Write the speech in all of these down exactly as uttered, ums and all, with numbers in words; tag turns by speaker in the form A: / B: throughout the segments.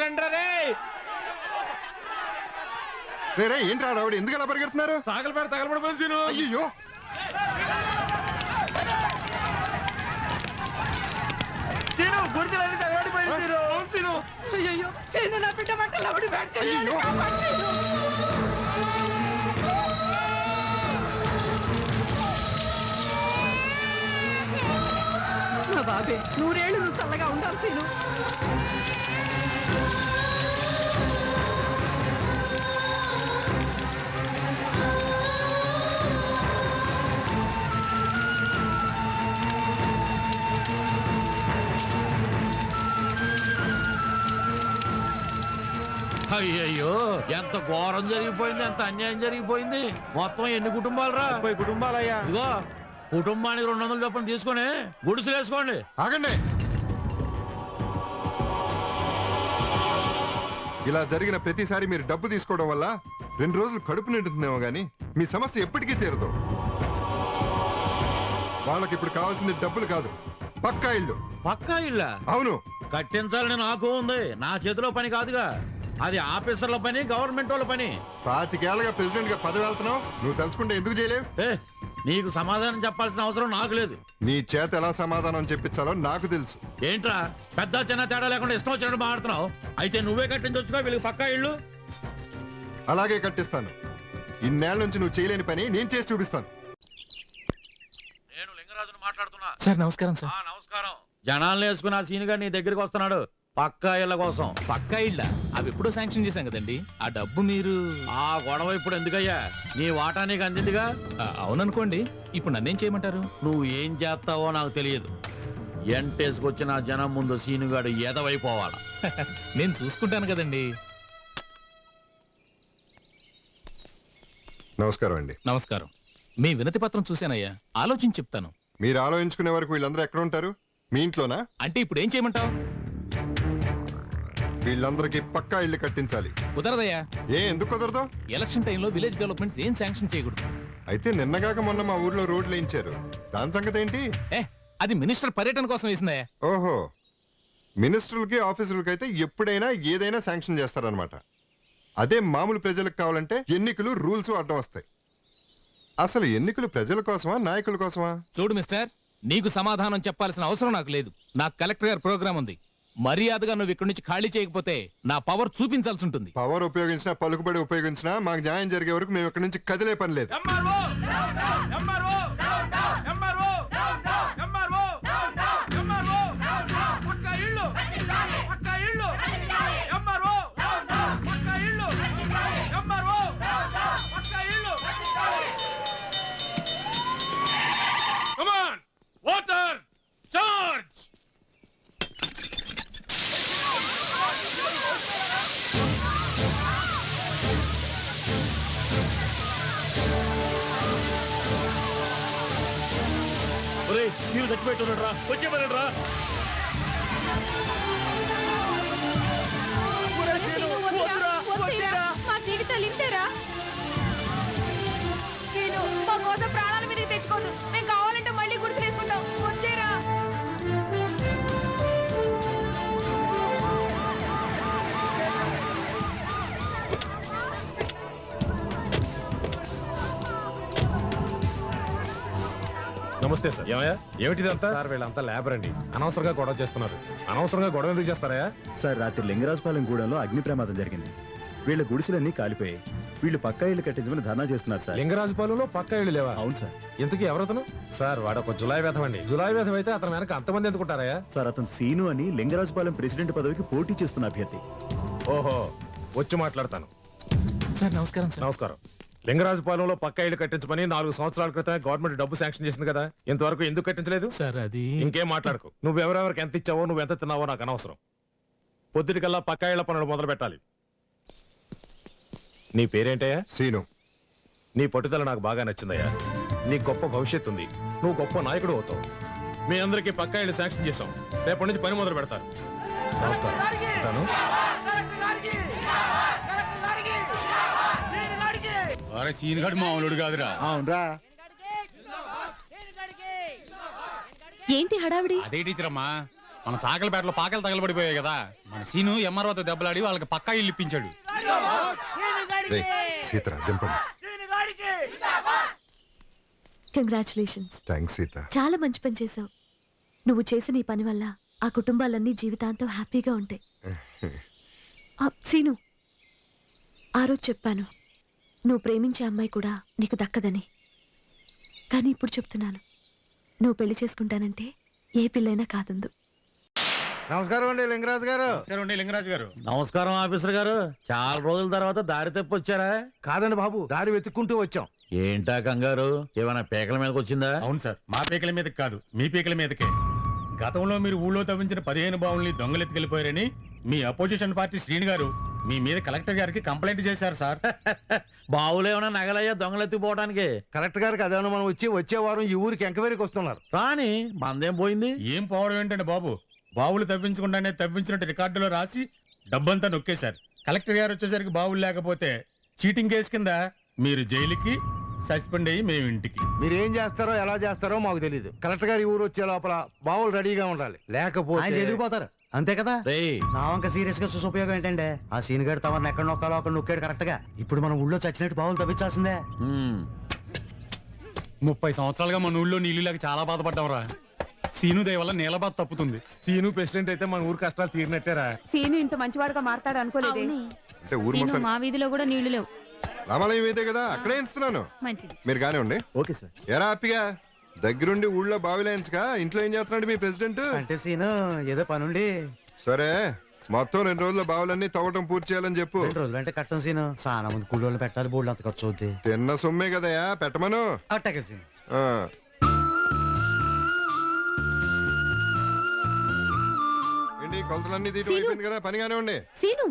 A: రండి రే.
B: రే ఏంట్రా రావుడు ఎందుకు అలా పరిగెడుతున్నారు?
A: సాగల పేరు తగలబడిపోయింది సీను.
B: అయ్యో
A: సీను గుర్తులన్నీ తగలబడిపోయింది సీను. సీను
C: అయ్యో సీను నా బిడ్డ బట్టలు ఆవిడ పెడితే
B: అయ్యో
C: నా బాబే నూరేళ్ళు నువ్వు చల్లగా ఉండాలి సీను.
D: అయ్యయ్యో ఎంత ఘోరం జరిగిపోయింది, ఎంత అన్యాయం జరిగిపోయింది. మొత్తం ఎన్ని కుటుంబాలు రా?
A: ముప్పై కుటుంబాలయ్యా.
D: ఇదిగో కుటుంబానికి రెండు వందల చొప్పున తీసుకొని గుడిసెలు వేసుకోండి.
B: ఆగండి. ఇలా జరిగిన ప్రతిసారి మీరు డబ్బు తీసుకోవడం వల్ల రెండు రోజులు కడుపు నిండుతుందేమో గానీ మీ సమస్య ఎప్పటికీ తీరదు. వాళ్ళకి ఇప్పుడు కావాల్సింది డబ్బులు కాదు, పక్కా ఇల్లు.
D: పక్కా ఇళ్ళ?
B: అవును.
D: కట్టించాలని నాకు ఉంది, నా చేతిలో పని కాదుగా. అది ఆఫీసర్ల పని, గవర్నమెంట్ వాళ్ళ పని.
B: పాతికేళ్లగా ప్రెసిడెంట్ గా పదవి వెళ్తున్నావు, నువ్వు తెలుసుకుంటే ఎందుకు చేయలేవు?
D: ఏ నీకు సమాధానం చెప్పాల్సిన అవసరం నాకు లేదు.
B: నీ చేత ఎలా సమాధానం చెప్పించాలో నాకు తెలుసు.
D: ఏంట్రా పెద్ద చిన్న తేడా లేకుండా ఇష్టం వచ్చినట్టు మాట్లాడుతున్నావు? అయితే నువ్వే కట్టించొచ్చుగా వీళ్ళకి పక్కా ఇళ్ళు.
B: అలాగే కట్టిస్తాను. ఇన్నేళ్ల నుంచి నువ్వు చేయలేని పని నేను చేసి చూపిస్తాను.
D: నేను లింగరాజును మాట్లాడుతున్నా.
E: సార్ నమస్కారం సార్.
D: నమస్కారం. జనాలను వేసుకుని ఆ సీనుగా నీ దగ్గరికి వస్తున్నాడు పక్కా ఇళ్ళ కోసం.
E: పక్కా ఇళ్ళ? అవి ఎప్పుడో శాంక్షన్ చేశాం కదండి. ఆ డబ్బు మీరు...
D: ఆ గొడవ ఇప్పుడు ఎందుకయ్యా? నీ వాటా నీకు అందిందిగా.
E: అవుననుకోండి. ఇప్పుడు నన్నేం చేయమంటారు?
D: నువ్వు ఏం చేస్తావో నాకు తెలియదు. ఎంటేసుకొచ్చిన జనం ముందు సీనుగాడు ఎదవైపోవాలా.
E: నేను చూసుకుంటాను కదండి.
B: నమస్కారం అండి.
E: నమస్కారం. మీ వినతి పత్రం చూశానయ్యా, ఆలోచించి చెప్తాను.
B: మీరు ఆలోచించుకునే వరకు వీళ్ళందరూ ఎక్కడ ఉంటారు? మీ ఇంట్లోనా?
E: అంటే ఇప్పుడు ఏం చేయమంటావు?
B: వీళ్ళందరికీ పక్కా ఇల్లు కట్టించాలి.
E: కుదరదయ్యా.
B: ఏ ఎందుకు కుదరదు?
E: ఎలక్షన్ టైంలో విలేజ్ డెవలప్మెంట్స్ ఏం శాంక్షన్ చేయకూడదు.
B: అయితే నిన్నగాక మొన్న మా ఊర్లో రోడ్లు వేయించారు, దాని సంగతి ఏంటి?
E: ఏ అది మినిస్టర్ పర్యటన కోసం వేసిందయ్యా.
B: ఓహో, మినిస్టర్లకి ఆఫీసర్లకి అయితే ఎప్పుడైనా ఏదైనా శాంక్షన్ చేస్తారనమాట. అదే మామూలు ప్రజలకు కావాలంటే ఎన్నికలు రూల్స్ అడ్డం వస్తాయి. అసలు ఎన్నికలు ప్రజల కోసమా నాయకుల కోసమా?
E: చూడు మిస్టర్, నీకు సమాధానం చెప్పాల్సిన అవసరం నాకు లేదు. నాకు కలెక్టర్ గారి ప్రోగ్రామ్ ఉంది. మర్యాదగా నువ్వు ఇక్కడి నుంచి ఖాళీ చేయకపోతే నా పవర్ చూపించాల్సి ఉంటుంది.
B: పవర్ ఉపయోగించినా పలుకుబడి ఉపయోగించినా మాకు న్యాయం జరిగే వరకు మేము ఇక్కడి నుంచి కదిలే పని లేదు.
D: Water charge. సీలు చచ్చిపెట్టున్నాడు రా, వచ్చేమన్నాడు రా.
C: మా జీవితాలు ఇంతేరా. నేను మా కోసం ప్రాణాల మీదకి తెచ్చుకోదు. మేము కావాలంటే మళ్ళీ గుర్తులేసుకుంటాం. వచ్చేరా.
F: నమస్తే సార్. ఏమయ్యా ఏమిటిదంతా? సార్ వీళ్ళంతా లేబర్ అండి, అనవసరంగా గొడవ చేస్తున్నారు. అనవసరంగా గొడవ ఎందుకు చేస్తారా?
G: సార్ రాత్రి లింగరాజపాలెం గూడెంలో అగ్ని ప్రమాదం జరిగింది. వీళ్ళ గుడిసెలన్నీ కాలిపోయాయి. వీళ్ళు పక్కా ఇల్లు కట్టించమని ధర్నా చేస్తున్నారు సార్.
F: లింగరాజపాలెంలో పక్కా ఇళ్ళు లేవా?
G: అవును సార్.
F: ఇంతకీ ఎవరతను? సార్ వాడు ఒక జులాయి వేధం అండి. జులాయి వేధం అయితే అతను వెనక అంతమంది ఎందుకుంటారా?
G: సార్ అతను సీను అని లింగరాజపాలెం ప్రెసిడెంట్ పదవికి పోటీ చేస్తున్న అభ్యర్థి.
F: ఓహో, వచ్చి మాట్లాడతాను.
E: సార్ నమస్కారం. సార్
F: నమస్కారం. లింగరాజపాలెంలో పక్కా ఇళ్ళు కట్టించమని నాలుగు సంవత్సరాల క్రితమే గవర్నమెంట్ డబ్బు శాంక్షన్ చేసింది కదా, ఇంతవరకు ఎందుకు కట్టించలేదు?
E: సార్ అది...
F: ఇంకేం మాట్లాడకు. నువ్వెవరెవరికి ఎంత ఇచ్చావో, నువ్వు ఎంత తిన్నావో నాకు అనవసరం. పొద్దుటికల్లా పక్కా ఇళ్ల పనులు మొదలు పెట్టాలి. నీ పేరేంటయ్యా?
B: సీను.
F: నీ పట్టుదల నాకు బాగా నచ్చిందయ్యా. నీ గొప్ప భవిష్యత్తు ఉంది, నువ్వు గొప్ప నాయకుడు అవుతావు. మీ అందరికీ పక్కా ఇళ్ళు శాంక్షన్ చేశాం. రేపటి నుంచి పని మొదలు పెడతారు. నమస్కారం.
D: సీనుగాడు మామూలుడు కాదురా.
G: అవునరా.
C: ఏంటి హడావిడి?
D: అదే టీచర్ అమ్మా,
H: మన సాకలపేటలో పాకలు తగలబడిపోయాయి కదా, మన సీను ఎంఆర్ఓతో దెబ్బలాడి వాళ్ళకి పక్కా ఇల్లు ఇప్పించాడు.
B: రేయ్, సీతరా దింపండి.
C: కంగ్రాచులేషన్స్.
B: థ్యాంక్స్ సీత.
C: చాలా మంచి పని చేశావు. నువ్వు చేసిన ఈ పని వల్ల ఆ కుటుంబాలన్నీ జీవితాంతం హ్యాపీగా ఉంటాయి. ఆ, సీను, ఆ రోజు చెప్పాను నువ్వు ప్రేమించే అమ్మాయి కూడా నీకు దక్కదని. కానీ ఇప్పుడు చెప్తున్నాను, నువ్వు పెళ్లి చేసుకుంటానంటే ఏ పిల్లైనా కాదందు.
A: నమస్కారం అండి లింగరాజు గారు.
H: నమస్కారం అండి లింగరాజు గారు.
D: నమస్కారం ఆఫీసర్ గారు. చాలా రోజుల తర్వాత దారి తప్పి వచ్చారా?
A: కాదండి బాబు, దారి వెతుక్కుంటూ వచ్చాం.
D: ఏంటా కంగారు? ఏమైనా పేకల మీదకి వచ్చిందా?
H: అవును సార్, మా పీకల మీదకి కాదు, మీ పీకల మీదకే. గతంలో మీరు ఊళ్ళో తవ్వించిన పదిహేను బావుల్ని దొంగలెత్తుకెళ్లిపోయారని మీ అపోజిషన్ పార్టీ శ్రీని గారు మీ మీద కలెక్టర్ గారికి కంప్లైంట్ చేశారు సార్.
D: బావులు ఏమైనా నగలయ్యా దొంగలెత్తిపోవడానికి?
A: కలెక్టర్ గారికి అదేమన్నా మనం వచ్చి వచ్చే వారం ఈ ఊరికి ఎంక్వైరీకి వస్తున్నారు.
D: రాని మందేం పోయింది?
H: ఏం పోవడం ఏంటండి బాబు, బావులు తవ్వించకుండానే తవ్వించినట్టు రికార్డులో రాసి డబ్బంతా నొక్కేశారు. కలెక్టర్ గారు వచ్చేసరికి బావులు లేకపోతే చీటింగ్ కేసు కింద మీరు జైలుకి, సస్పెండ్ అయ్యి మేము ఇంటికి.
A: మీరు ఏం చేస్తారో ఎలా చేస్తారో మాకు తెలియదు. కలెక్టర్ గారి ఊరు వచ్చే లోపల బావులు రెడీగా ఉండాలి, లేకపోతే
I: వెళ్ళిపోతారు అంతే కదా.
D: రేయ్,
I: నా వంక సీరియస్ గా చూసి ఉపయోగం ఏంటంటే ఆ సీన్ గడు తమను ఎక్కడ నొక్కాలో అక్కడ నొక్కాడు కరెక్ట్ గా. ఇప్పుడు మనం ఊళ్ళో చచ్చినట్టు బావులు తవ్వించాల్సిందే.
D: ఉమ్,
H: ముప్పై సంవత్సరాలుగా మన ఊళ్ళో నీళ్ళు లేక చాలా బాధపడ్డాం రా. సీను దయ వల్ల నీళ్ళ బాధ తప్పుతుంది.
F: సీను ప్రెసిడెంట్ అయితే మన ఊరు కష్టాలు తీరినట్టేరా.
J: సీను ఇంత మంచివాడుగా మారతాడు అనుకోలేదే.
B: అంటే ఊరు మొత్తం
C: మా వీధిలో కూడా నీళ్లు లేవు.
B: రామాలయం ఇదే కదా, అక్కడే ఇస్తున్నాను.
C: మంచిది.
B: మీరు గానే ఉండి.
G: Okay sir.
B: ఎరా హ్యాపీగా దగ్గరుండి ఊళ్ళో బావిలేయించగా ఇంట్లో ఏం చేస్తున్నాడు మీ ప్రెసిడెంట్?
I: అంటే సీను ఏదో పనుండి
B: సరే, మొత్తం రెండు రోజుల్లో బావులన్నీ తవ్వటం పూర్తి చేయాలని చెప్పు.
I: రెండు రోజులు అంటే కట్టం సీను. చాలా మంది కూలోళ్ళు పెట్టాలి, బోర్డు అంత ఖర్చు అవుద్ది.
B: తిన్న సొమ్మే కదయా, పెట్టమను.
I: అట్టాగే సీను.
B: ఆ. ఏంటి కొలతలన్నీ తీయటం అయిపోయింది కదా, పనిగానే ఉండి.
C: సీను.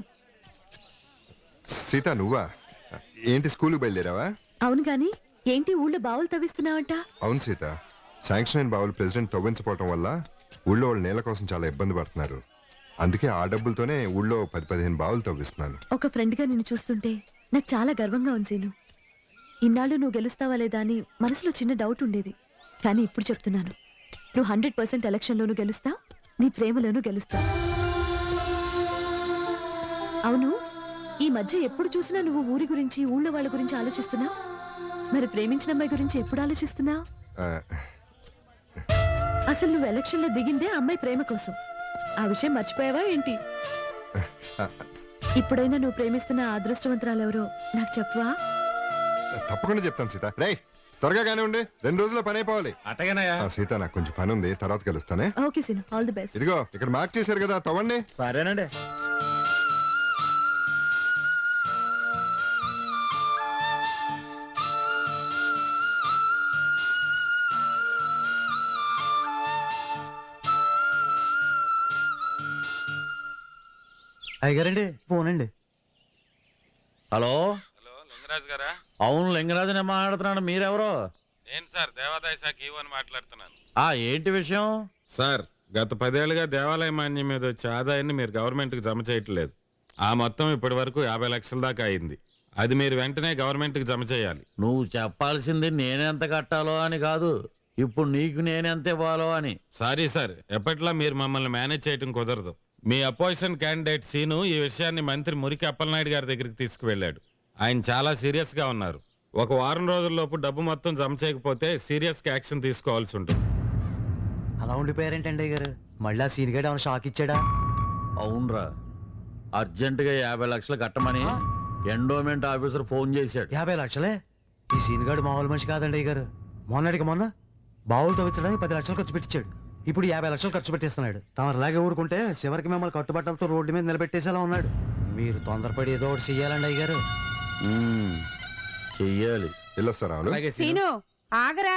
B: సీత నువ్వా? ఏంటి స్కూల్కి బయలుదేరావా?
C: అవును గాని ఏంటి ఊళ్ళో బావులు తవ్విస్తున్నావంట?
B: అవును సీత, శాంక్షన్ అయిన బావులు ప్రెసిడెంట్ తవ్వించపోవటం వల్ల ఊళ్ళో వాళ్ళు నేల కోసం చాలా ఇబ్బంది పడుతున్నారు. అందుకే ఆ డబ్బులతోనే ఊళ్ళో పది పదిహేను బావులు తవ్విస్తున్నాను.
C: ఒక ఫ్రెండ్ గా నిన్ను చూస్తుంటే నాకు చాలా గర్వంగా ఉంది సీను. ఇన్నాళ్ళు నువ్వు గెలుస్తావా లేదా అని మనసులో చిన్న డౌట్ ఉండేది. కానీ ఇప్పుడు చెప్తున్నాను, నువ్వు హండ్రెడ్ పర్సెంట్ ఎలక్షన్లోనూ గెలుస్తావు, నీ ప్రేమలోనూ గెలుస్తావు. అవును, ఈ మధ్య ఎప్పుడు చూసినా నువ్వు ఊరి గురించి, ఊళ్ళో వాళ్ళ గురించి ఆలోచిస్తున్నావు. మరి ప్రేమించిన అమ్మాయి గురించి ఎప్పుడు ఆలోచిస్తున్నావు?
B: ఆ,
C: అసలు నువ్వు ఎలక్షన్ లో దిగిందే అమ్మాయి ప్రేమ కోసం. ఆ విషయం మర్చిపోయావా ఏంటి? ఇప్పుడైనా నువ్వు ప్రేమిస్తున్న ఆ అదృష్టవంతురాలు ఎవరో నాకు చెప్పవా?
B: తప్పకుండా చెప్తాను సీత. రేయ్ త్వరగా గానే ఉండి, రెండు రోజుల్లో పని అయిపోవాలి.
F: అట్టగనయా.
B: ఆ, సీత నాకు కొంచెం పని ఉంది, తర్వాత కలుస్తానే.
C: Okay Seenu, all the best.
B: ఇదిగో ఇక్కడ మార్క్ చేశారు కదా, తవ్వండి.
G: సరేనండి.
I: అయ్యారండి ఫోన్ అండి.
D: హలో
K: హలో లింగరాజు గారా?
D: అవును, లింగరాజునే మాట్లాడుతున్నాను. మీరెవరో?
K: నేను సార్ దేవాదాయ శాఖ ఈవో అని మాట్లాడుతున్నాను.
D: ఆ ఏంటి విషయం?
K: సార్, గత పదేళ్లుగా దేవాలయ మాన్యం మీద వచ్చే ఆదాయాన్ని మీరు గవర్నమెంట్కి జమ చేయట్లేదు. ఆ మొత్తం ఇప్పటి వరకు యాభై లక్షల దాకా అయింది. అది మీరు వెంటనే గవర్నమెంట్కి జమ చేయాలి.
D: నువ్వు చెప్పాల్సింది నేనెంత కట్టాలో అని కాదు, ఇప్పుడు నీకు నేనెంత ఇవ్వాలో అని.
K: సారీ సార్, ఎప్పట్లా మీరు మమ్మల్ని మేనేజ్ చేయడం కుదరదు. మీ అపోజిషన్ క్యాండిడేట్ సీను ఈ విషయాన్ని మంత్రి మురికి అప్పలనాయుడు గారి దగ్గరికి తీసుకువెళ్ళాడు. ఆయన చాలా సీరియస్ గా ఉన్నారు. ఒక వారం రోజుల్లోపు డబ్బు మొత్తం జమ చేయకపోతే సీరియస్ గా యాక్షన్ తీసుకోవాల్సి ఉంటుంది.
I: అలా ఉండిపోయారేంటండి గారు? మళ్ళీ ఆ సీన్ గడు ఏమైనా షాక్ ఇచ్చాడా?
D: అవునరా, అర్జెంటుగా యాభై లక్షలు కట్టమని ఎండోమెంట్ ఆఫీసర్ ఫోన్ చేశాడు.
I: యాభై లక్షలే? ఈ సీన్ గడు మామూలు మనిషి కాదండి గారు. మొన్నటికి మొన్న బావులు తవ్వించడానికి పది లక్షలు ఖర్చు పెట్టించాడు. ఇప్పుడు యాభై లక్షలు ఖర్చు పెట్టేస్తున్నాడు. తమరు అలాగే ఊరుకుంటే చివరికి మిమ్మల్ని కట్టుబట్టలతో రోడ్డు మీద నిలబెట్టేసేలా ఉన్నాడు. మీరు తొందరపడి ఏదో ఒకటి చెయ్యాలండి అయ్యారు.
D: ఉమ్, చెయ్యాలి.
B: వెళ్ళొస్తారా?
J: సీను ఆగరా,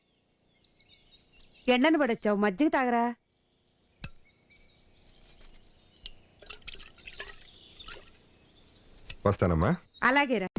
J: ఎండను పడొచ్చావు, మజ్జిగ తాగరా.
B: వస్తానమ్మా.
J: అలాగేరా.